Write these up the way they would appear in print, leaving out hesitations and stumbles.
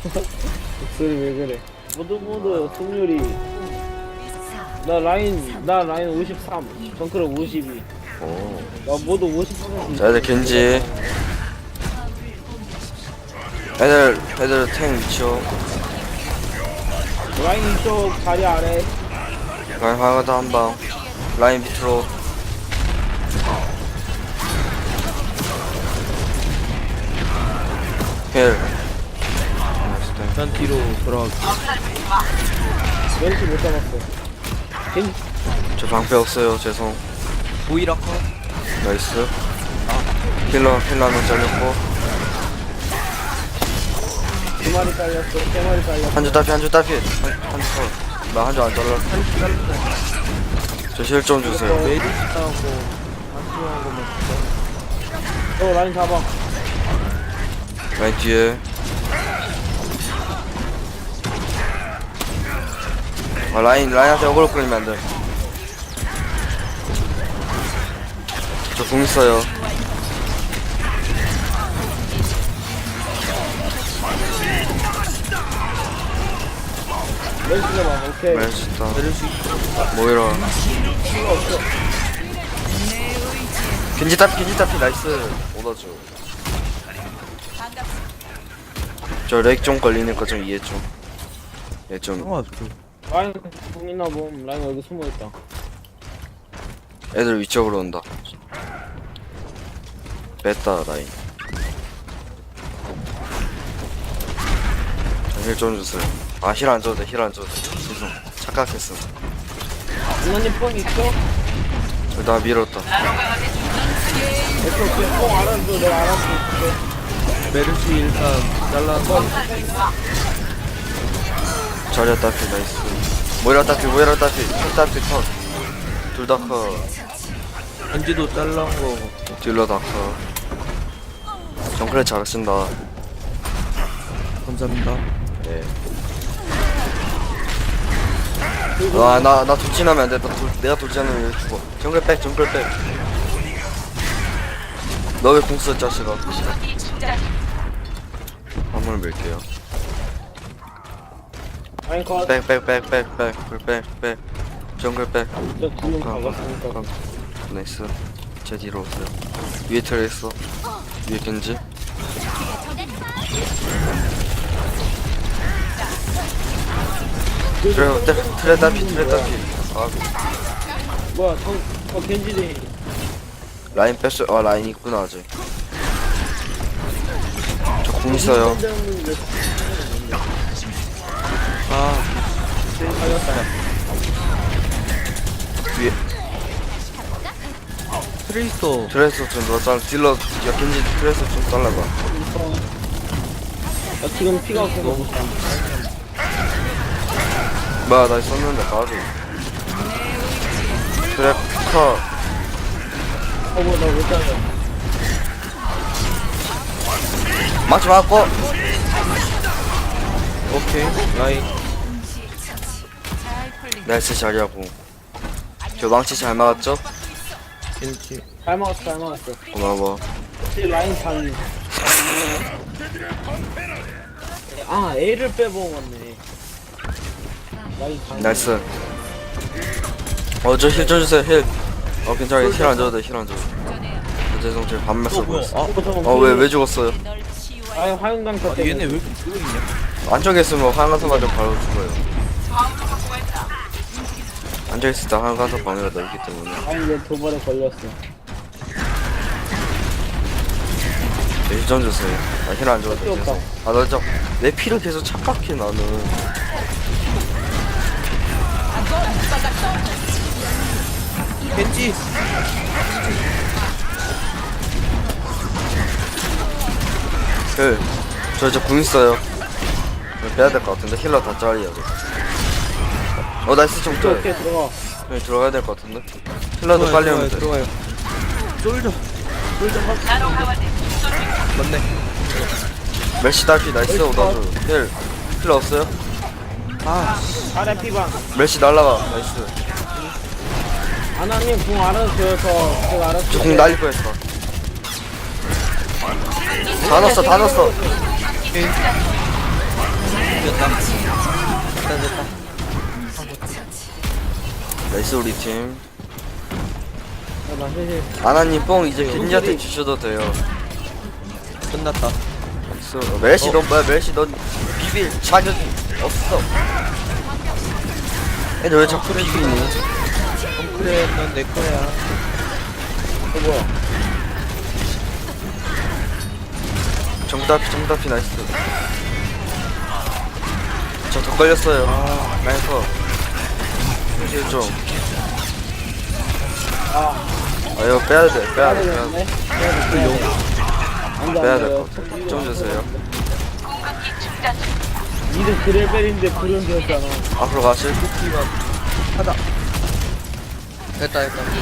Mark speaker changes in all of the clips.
Speaker 1: 목소리 왜 그래? 모두 승률이 나 라인 53, 정크를 52.
Speaker 2: 오.
Speaker 1: 나 모두 50%.
Speaker 2: 자, 애들 겐지. 애들 탱 미쳐.
Speaker 1: 라인 이쪽 자리 아래.
Speaker 2: 라인 하나다 한 방. 라인 밑으로. 헬.
Speaker 3: 난 뒤로 돌아가고.
Speaker 1: 멘트 못 잡았어. 겐지
Speaker 2: 저 방패 없어요. 죄송.
Speaker 3: 보이라 컷.
Speaker 2: 나이스. 힐러 한명 잘렸고.
Speaker 1: 두 마리 잘렸어. 세 마리 잘렸어.
Speaker 2: 한줄 딸피. 한줄 컷. 나 한 줄 안 잘랐어. 저 힐 좀 주세요.
Speaker 3: 메디스하고 한수하고만
Speaker 1: 어 라인 잡아.
Speaker 2: 라인 뒤에. 라인한테 어그로 끌리면 안 돼. 저 궁 있어요.
Speaker 1: 멘트 잡아. 오케이.
Speaker 2: 맛있다.
Speaker 3: 내릴 수 있어.
Speaker 2: 모이라.
Speaker 1: 필요 없어.
Speaker 2: 겐지 따피 나이스. 오더줘. 저 렉 좀 걸리니까 좀 이해 좀. 얘 좀
Speaker 3: 상관없어.
Speaker 1: 라인 공 있나 봄. 라인 여기 숨어 있다.
Speaker 2: 애들 위쪽으로 온다. 뺐다 라인. 힐 좀 주세요. 아 힐 안 줘도 돼. 죄송. 착각했어.
Speaker 1: 누나님 뽕 있어?
Speaker 2: 나 밀었다.
Speaker 1: 오케이. 뽕 알아줘. 내가 알아줄게.
Speaker 3: 메르시 일단 잘라서
Speaker 2: 자리야 따피 나이스. 모이라 따피 컷. 둘 다 컷.
Speaker 3: 겐지도 잘란 거.
Speaker 2: 딜러 다 컷. 정크레 잘 쓴다.
Speaker 3: 감사합니다.
Speaker 2: 네. 나 돌진하면 안 돼. 내가 돌진하면 여기 죽어. 정글 백. 너 왜 공 써, 자식아? 화물 밀게요.
Speaker 1: 라인 컷.
Speaker 2: 백. 정글 백.
Speaker 1: 저 두명 박았으니까.
Speaker 2: 나이스. 제 뒤로 오세요. 위에 트레 있어. 위에 겐지. 트레 따피. 아,
Speaker 1: 뭐야? 겐지네.
Speaker 2: 라인 뺐어. 아, 라인 있구나, 아직. 저 공 있어요.
Speaker 3: 아,
Speaker 1: 살렸다.
Speaker 2: 위에.
Speaker 3: 트레이서.
Speaker 2: 트레스 좀 넣어. 딜러, 야, 겐지 트레스 좀 잘라봐.
Speaker 1: 나 지금 피가 없어서 못 사.
Speaker 2: 뭐야, 나 썼는데, 가비. 트랩 컷.
Speaker 1: 뭐야, 나못 살려.
Speaker 2: 맞지 맞고.
Speaker 3: 오케이. 라인.
Speaker 2: 나이스 자리하고. 저 망치 잘 막았죠?
Speaker 3: 겐지.
Speaker 1: 잘 먹었어.
Speaker 2: 고마워.
Speaker 1: 혹시 라인 잘. 아, A를 빼먹었네. 라인 잘.
Speaker 2: 나이스. 저 힐 좀 주세요, 힐. 괜찮아. 힐 안 줘도 돼, 죄송, 제가 반말 쓰고 있어. 왜 죽었어요?
Speaker 1: 아니, 화용강 터
Speaker 3: 아,
Speaker 1: 때문에.
Speaker 3: 얘네 왜 이렇게 뜨고 있냐?
Speaker 2: 안쪽에 있으면 화강서 맞으면 바로 죽어요. 앉아있을 때 화강서 방해가 넓기 때문에.
Speaker 1: 아니, 얘 도발에 걸렸어.
Speaker 2: 힐 좀 주세요. 힐 안 줘도 돼,
Speaker 1: 필요 없다.
Speaker 2: 죄송. 내 피를 계속 착각해, 나는.
Speaker 3: 겐지.
Speaker 2: 저궁 있어요. 빼야 될 것 같은데 힐러 다 짜리야. 나이스 좀 쪄요.
Speaker 1: 오케이, 들어가.
Speaker 2: 들어가야 될 것 같은데. 힐러도 빨리 하면 돼.
Speaker 3: 들어가요. 솔져. 맞네.
Speaker 2: 멜시 딸피 나이스. 오다주 힐러 없어요?
Speaker 3: 아,
Speaker 1: 아래 피방.
Speaker 2: 멜시 날라가. 나이스.
Speaker 1: 아나님 궁 알아줘요. 제가 알아줄게요.
Speaker 2: 저 궁 날릴 뻔했어. 다 넣었어. 나이스 우리 팀.
Speaker 1: 나 힐.
Speaker 2: 아나님 뽕 이제 겐지한테 주셔도 돼요.
Speaker 3: 끝났다.
Speaker 2: 나이스. 멜시 넌 뭐야? 멜시 넌 비빌 자격이 없어. 애들 왜 자꾸 비비니?
Speaker 3: 그래, 넌 내 거야.
Speaker 1: 뭐야?
Speaker 2: 정답이 나이스. 저 더 걸렸어요. 나이스. 이제 좀. 이거 빼야 돼.
Speaker 1: 빼야 되겠네.
Speaker 2: 빼야 될 것 같아. 좀 주세요.
Speaker 1: 니들 그레벨인데 불은 되었잖아.
Speaker 2: 앞으로 가실?
Speaker 3: 하다. 됐다.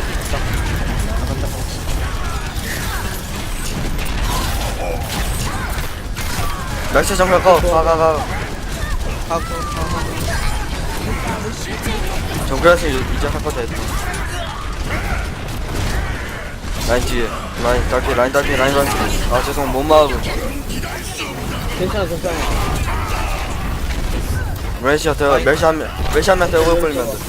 Speaker 2: 날씨 정면 가. 가.
Speaker 3: 하고.
Speaker 2: 정글에서 이제 할 거다 했다. 라인 뒤에. 라인 딸피. 아 죄송 못 막음.
Speaker 1: 괜찮아.
Speaker 2: 멜시 한 명 대고 걸리면 돼.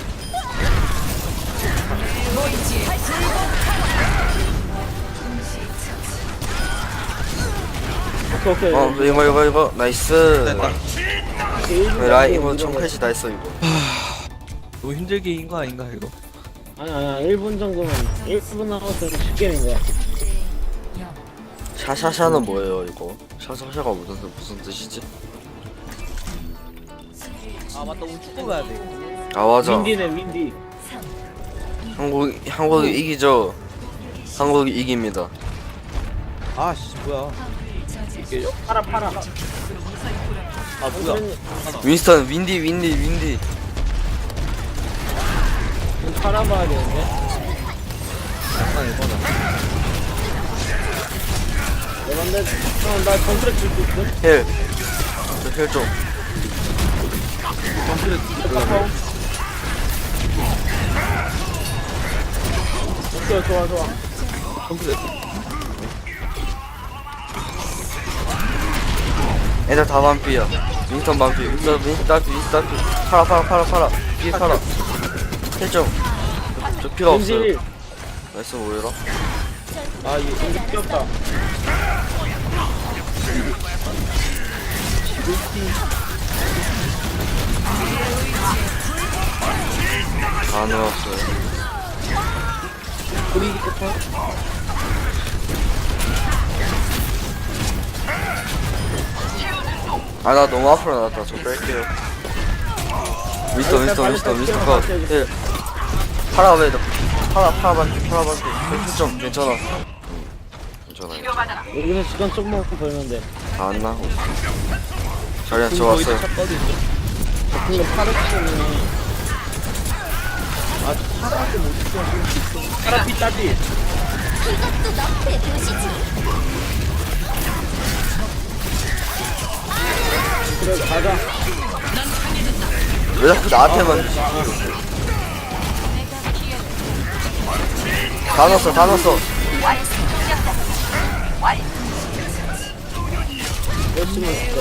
Speaker 1: 오케이.
Speaker 2: 이거 나이스.
Speaker 3: 됐다.
Speaker 2: 라인 이거 청패시 다 했어 이거.
Speaker 3: 너무 힘들게 이긴 거 아닌가 이거?
Speaker 1: 아니야 1분 정도면 1분 남았으면 쉽게 낸 거야.
Speaker 2: 샤샤샤는 뭐예요 이거? 샤샤샤가 무슨 뜻이지?
Speaker 3: 아 맞다, 오늘 축구 가야 돼.
Speaker 2: 아 맞아.
Speaker 1: 윈디.
Speaker 2: 한국이 이기죠. 한국이 이깁니다.
Speaker 3: 아씨 뭐야? 이게
Speaker 1: 팔아.
Speaker 3: 아 뭐야?
Speaker 2: 윈스턴 윈디.
Speaker 1: 팔아봐야 되는데.
Speaker 3: 장난 이거다.
Speaker 1: 나 컨트랙 줄수 있어?
Speaker 2: 힐. 힐 좀.
Speaker 1: 오케이 좋아.
Speaker 2: 애들 다 반피야. 윈스턴 반피. 윈스턴 딸피. 팔아. 뒤에 팔아. 힐 좀. 저 피가 없어요.
Speaker 1: 윈디.
Speaker 2: 나이스 뭐해라?
Speaker 1: 아 이거 윈디 귀엽다.
Speaker 2: 다 넣었어요.
Speaker 1: 우리 좋다.
Speaker 2: 아 나 너무 앞으로 나왔다. 저 뺄게요. 윈스턴 컷. 힐. 팔아 왜 너? 팔아 반피. 힐좀 괜찮아. 괜찮아요.
Speaker 1: 여기서 시간 조금만 벌면 돼.
Speaker 2: 다 안 나고. 자리한 저 왔어요.
Speaker 1: 근데 파르치는 파라한테 못 죽여. 파라피 따지.
Speaker 4: 이것도 너프의 도시지.
Speaker 1: 그래 가자.
Speaker 2: 왜 자꾸 나한테만 주지? 다 넣었어.
Speaker 1: 열심히 했어.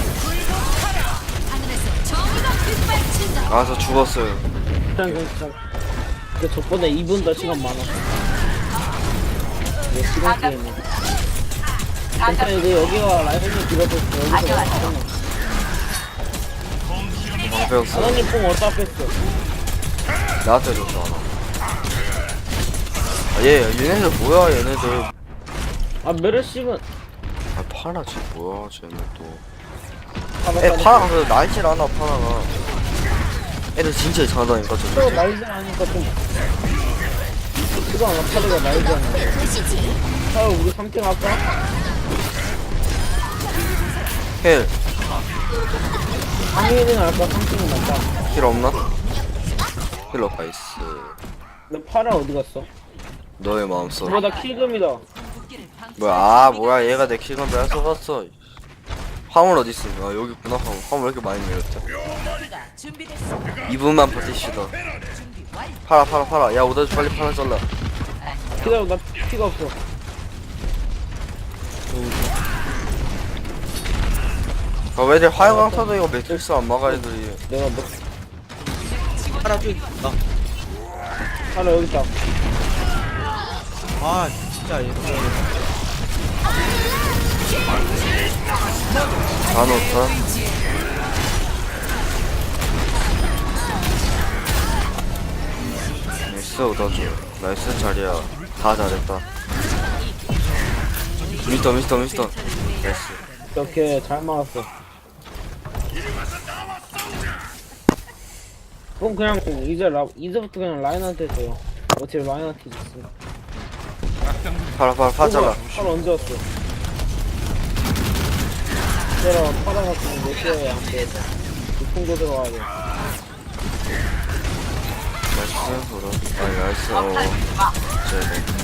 Speaker 4: 하늘에서 정의가 빛발친다.
Speaker 2: 아 저 죽었어요.
Speaker 1: 괜찮아. 근데 저번에 2분 더 시간 많아. 내 시간 때문에. 괜찮아 이제 여기가 라이브를 길어졌어. 여기서 괜찮아.
Speaker 2: 방패였어.
Speaker 1: 하나님 뽕 어디다 뺐어?
Speaker 2: 나한테 줬어 하나. 얘네들 뭐야 얘네들.
Speaker 1: 아 메르시는
Speaker 2: 아 파라 쟤 뭐야 쟤네 또. 파라가 그 날질 않아 파라가. 애들 진짜 이상하다니까
Speaker 1: 또
Speaker 2: 저.
Speaker 1: 날지 않으니까 좀 시간 안 파르가 날지 않아.
Speaker 4: 도시지.
Speaker 1: 아 우리 3팀 할까?
Speaker 2: 힐.
Speaker 1: 상위는 할까? 3팀은 할까?
Speaker 2: 힐 없나? 힐 없다 있어.
Speaker 1: 너 파라 어디 갔어?
Speaker 2: 너의 마음속.
Speaker 1: 나 킬금이다.
Speaker 2: 뭐야 얘가 내 킬건 뺏어갔어. 화물 어딨어? 아 여기 있구나. 화물 왜 이렇게 많이 내렸대? 2분만 버티시다. 팔아. 야 오다주 빨리 팔아 잘라.
Speaker 1: 기다려 나 피가 없어.
Speaker 2: 아 왜들 화영강 타도 이거 매트릭스 안 막아 애들이.
Speaker 1: 내가 뭐
Speaker 3: 하나 쭉 있다.
Speaker 1: 하나 여기 있다.
Speaker 3: 아 진짜 얘.
Speaker 2: 다 넣었다. 나이스 오다줘. 나이스 자리야. 다 잘했다. 미스터. 나이스.
Speaker 1: 이렇게 잘 막았어. 그럼 그냥 이제부터 그냥 라인한테 줘요. 어차피 라인한테 있어.
Speaker 2: 팔아 잘라.
Speaker 1: 팔 언제 왔어? 내가 팔아갖고 몇 개야 안 돼. 육풍도 들어가야 돼.
Speaker 2: 나이스 보러. 나이스 쟤네.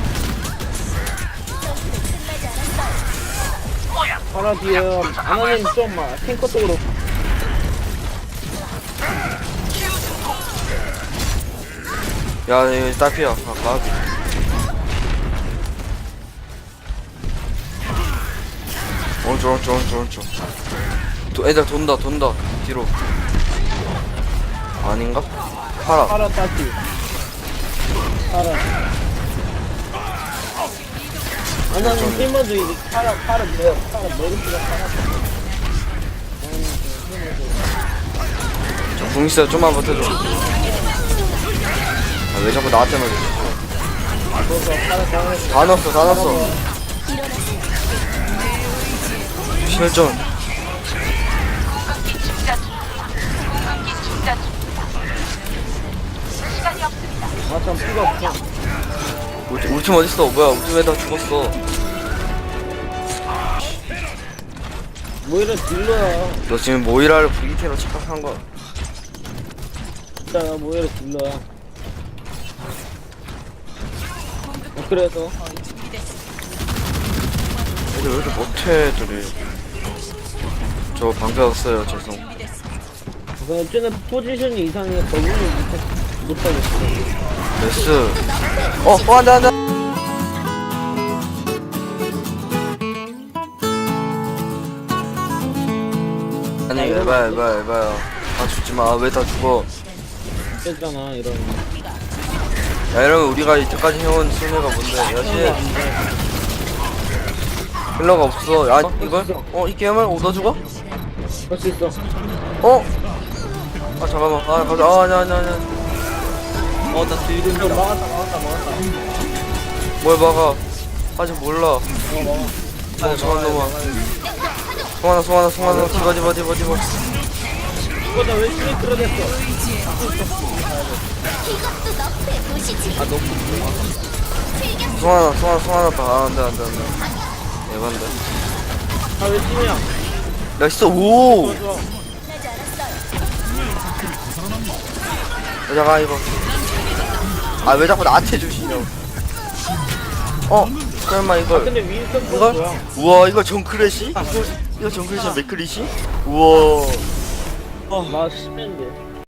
Speaker 1: 팔아 뒤에 아나님 좀만 탱커 쪽으로.
Speaker 2: 야 이거 딸피야. 아까 오른쪽. 애들 돈다 뒤로. 아닌가? 팔아.
Speaker 1: 팔아 따지. 팔아. 아나님 힘어도 이제 팔아 머리띠가 팔아.
Speaker 2: 궁 있어요. 좀만 버텨줘. 아, 왜 자꾸 나한테 말이지?
Speaker 1: 그래서 팔아 당했어.
Speaker 2: 다 넣었어. 실전.
Speaker 1: 아참 피가 없어.
Speaker 2: 우리 팀 어딨어? 뭐야? 우리 팀 애다 죽었어.
Speaker 1: 뭐 이런 딜러야.
Speaker 2: 너 지금 모이라를 VT로 착각한 거야.
Speaker 1: 진짜 뭐 이런 딜러야. 그래서
Speaker 2: 애들 왜 이렇게 못해, 애들이. 저 방패 없어요, 죄송.
Speaker 1: 그냥 쟤네 포지션이 이상해. 적응을 못하겠어.
Speaker 2: 레스. 안돼. 아니, 에바야. 다 죽지 마. 왜 다 죽어?
Speaker 1: 깼잖아 이런.
Speaker 2: 야, 이러면 우리가 이때까지 해온 승리가 뭔데? 야, 씨. 힐러가 없어. 야, 이걸? 이 게임을 얻어주고?
Speaker 1: 할 수 있어.
Speaker 2: 아, 잠깐만. 가자. 아니야.
Speaker 3: 어나 들고
Speaker 1: 저
Speaker 3: 있다.
Speaker 1: 막았다.
Speaker 2: 뭘 막아? 아직 몰라. 잠깐 놈아. 송하나. 디바.
Speaker 1: 이거다 왜 힘이 끌어냈어?
Speaker 4: 이것도 너프의 도시지.
Speaker 3: 아 너무
Speaker 2: 송하나 봐. 안돼. 에반데.
Speaker 1: 아왜 팀이야?
Speaker 2: 나이스. 오!
Speaker 1: 좋아.
Speaker 2: 잠깐 이거. 아, 왜 자꾸 나한테 주시냐고. 설마 이걸.
Speaker 1: 근데 윈스턴
Speaker 2: 이걸?
Speaker 1: 뭐야?
Speaker 2: 우와, 이거 정크래시? 이거 정크래시 맥크리시? 우와.
Speaker 1: 나 10년대.